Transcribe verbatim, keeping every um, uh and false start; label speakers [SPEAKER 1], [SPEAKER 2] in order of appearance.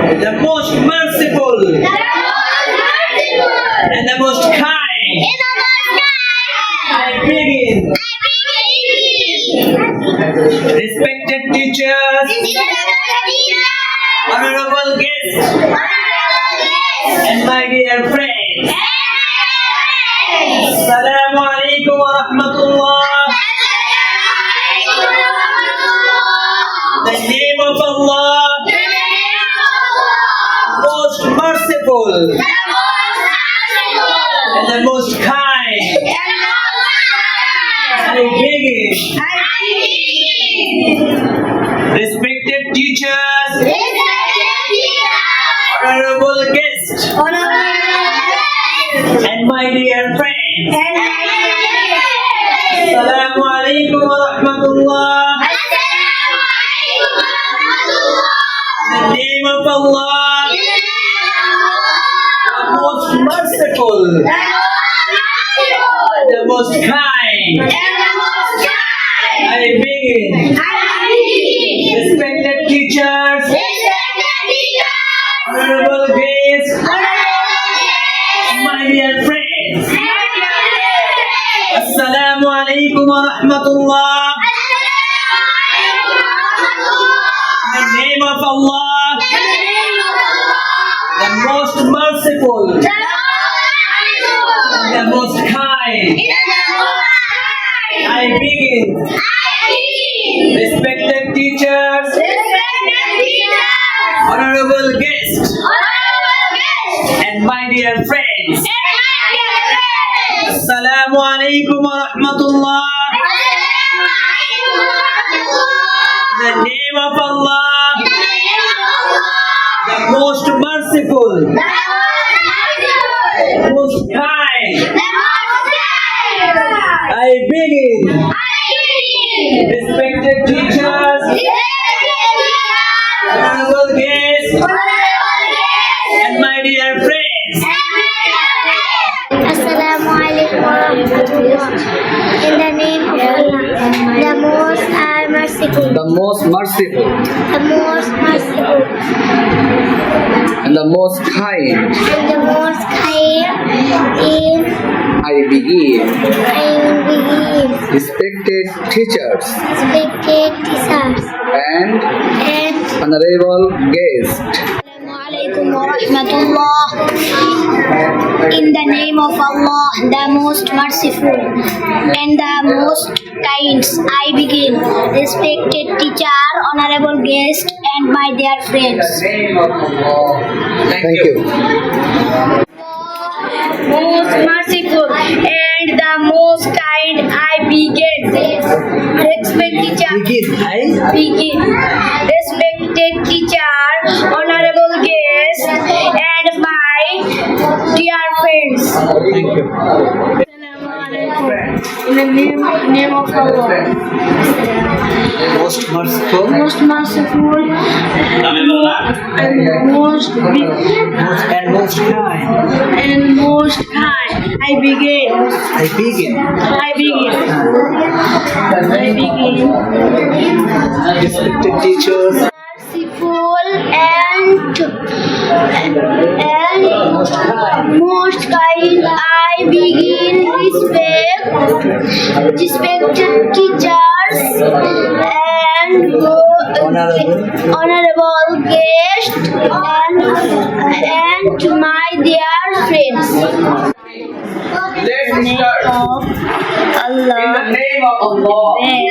[SPEAKER 1] the most merciful, and the most kind. I begin. Respected teachers, honorable guests, and my dear friends. Assalamu alaikum wa rahmatullah. In the name of Allah, most merciful and the most kind, I begin. Respected teachers, honorable guests, and my dear friends. Assalamu alaikum wa rahmatullah. In the name of Allah, the most merciful, the most kind, I begin. Respected teachers, honorable guests, my dear friends. Assalamu alaikum wa rahmatullah. In the name of Allah, the most merciful, the most kind, I begin. Respected teachers, honorable guests, and my dear friends. Assalamu alaikum wa rahmatullah. In the name of Allah, the most merciful, most kind, I begin. Respected teachers, honorable guests, and my dear friends.
[SPEAKER 2] Assalamu alaikum wa rahmatullah. In the name of Allah, the most uh, merciful,
[SPEAKER 3] the most merciful,
[SPEAKER 2] the most merciful,
[SPEAKER 3] and the most kind,
[SPEAKER 2] and the most kind, in
[SPEAKER 3] I begin.
[SPEAKER 2] I will begin.
[SPEAKER 3] Respected teachers
[SPEAKER 2] Respected teachers
[SPEAKER 3] and
[SPEAKER 2] and
[SPEAKER 3] honorable guests,
[SPEAKER 2] Assalamu alaikum wa rahmatullah. In the name of Allah, the most merciful and the most kind, I begin. Respected teacher, honorable guest, and my dear friends.
[SPEAKER 3] thank you.
[SPEAKER 2] Most merciful and the most kind, I begin. Respected teacher,
[SPEAKER 1] Begin, I
[SPEAKER 2] begin. Respected teacher, honorable guest, and my dear friends.
[SPEAKER 1] Thank you.
[SPEAKER 2] In the name, name of Allah,
[SPEAKER 1] Most merciful,
[SPEAKER 2] most merciful and most big
[SPEAKER 1] most and most kind,
[SPEAKER 2] and most kind, I begin.
[SPEAKER 1] I begin.
[SPEAKER 2] I begin. I begin.
[SPEAKER 1] Respected teachers,
[SPEAKER 2] Merciful and and
[SPEAKER 1] most kind,
[SPEAKER 2] most kind, I begin. Respect, respected teachers and
[SPEAKER 1] honorable,
[SPEAKER 2] honorable guests and and my dear friends.
[SPEAKER 3] Let's start.
[SPEAKER 2] Of Allah.
[SPEAKER 3] In the name of Allah,
[SPEAKER 2] Name